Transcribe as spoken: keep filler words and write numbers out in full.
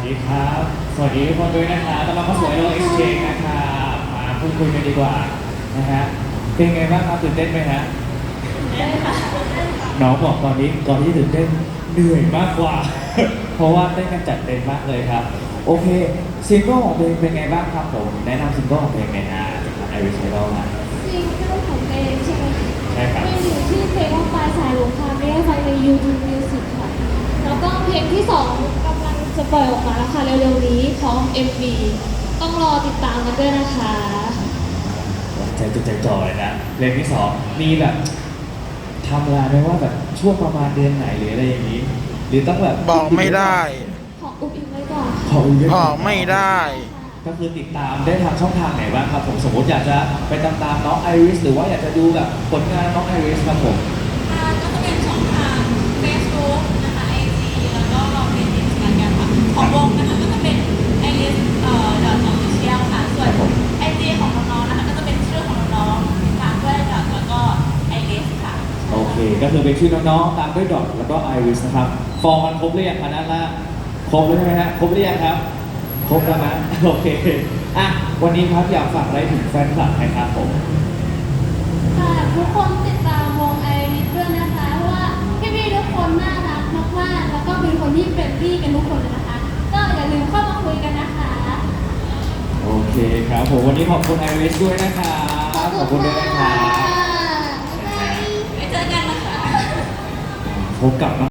ดีครับ สวัสดีทุกคนด้วยนะครับต้อนรับเข้าสู่ไอโอเอ็กซ์เชนนะครับมาพูดคุยกันดีกว่านะฮะเป็นไงบ้างครับตื่นเต้นไหมฮะน้องบอกตอนนี้ก่อนที่ตื่นเต้นเหนื่อยมากกว่า เพราะว่าเต้นกันจัดเต็มมากเลยครับโอเคซิงเกิลของเพลงเป็นไงบ้างครับผมแนะนำซิงเกิลของเพลงหน่อยฮะจากไอริสไอดอลนะซิงเกิลของเพลงใช่ไหมคะใช่ครับเพลงอยู่ที่เพลงว่าปลายสายลงคามได้ฟังใน YouTube Music ค่ะ แล้วก็เพลงที่สองกำลังจะปล่อยออกมาแล้วค่ะเร็วๆนี้พร้อม เอ็ม วี ต้องรอติดตามกันด้วยนะคะใจจดใจจ่อเลยนะเพลงที่สองมีแบบทำเวลาไหมว่าแบบช่วงประมาณเดือนไหนหรืออะไรอย่างนี้ หรือต้องแบบบอกไม่ได้ขออุบอิงไว้ก่อนขออุบไว้บก่อน กไม่ได้ก็คือติดตามได้ทางช่องทางไหนบ้างครับผมสมมติอยากจะไปตามตามน้องไอริสหรือว่าอยากจะดูแบบผลงานน้องไอริสครับผมอ่าก็จะเป็นช่องทาง Facebook นะคะ ไอ จี แล้วก็เป็น Instagram ค่ะของวงนะคะก็จะเป็น ไอ เอส เอ่อ dot official ค่ะ ส่วน ไอ จี ของน้องๆนะคะก็จะเป็นชื่อของน้องๆติดตามด้วย dot แล้วก็ ไอ เอส ค่ะโอเค ก็คือเป็นชื่อน้องๆตามด้วยดอทแล้วก็ไอริสนะครับฟอร์มมันครบหรือยังคะนั่นละครบแล้วใช่ไหมฮะครบหรือยังครับครบแล้วนะโอเคอ่ะวันนี้ครับอยากฝากอะไรถึงแฟนคลับไหมครับผมค่ะทุกคนติดตามวงไอริสด้วยนะคะเพราะว่าพี่ๆทุกคนน่ารักมากๆแล้วก็เป็นคนที่เฟรนลี่กันทุกคนเลยนะคะ ก็อย่าลืมเข้ามาคุยกันนะคะโอเคครับผมวันนี้ขอบคุณไอริสด้วยนะครับขอบคุณด้วยนะครับไว้เจอกันนะคะพบกับ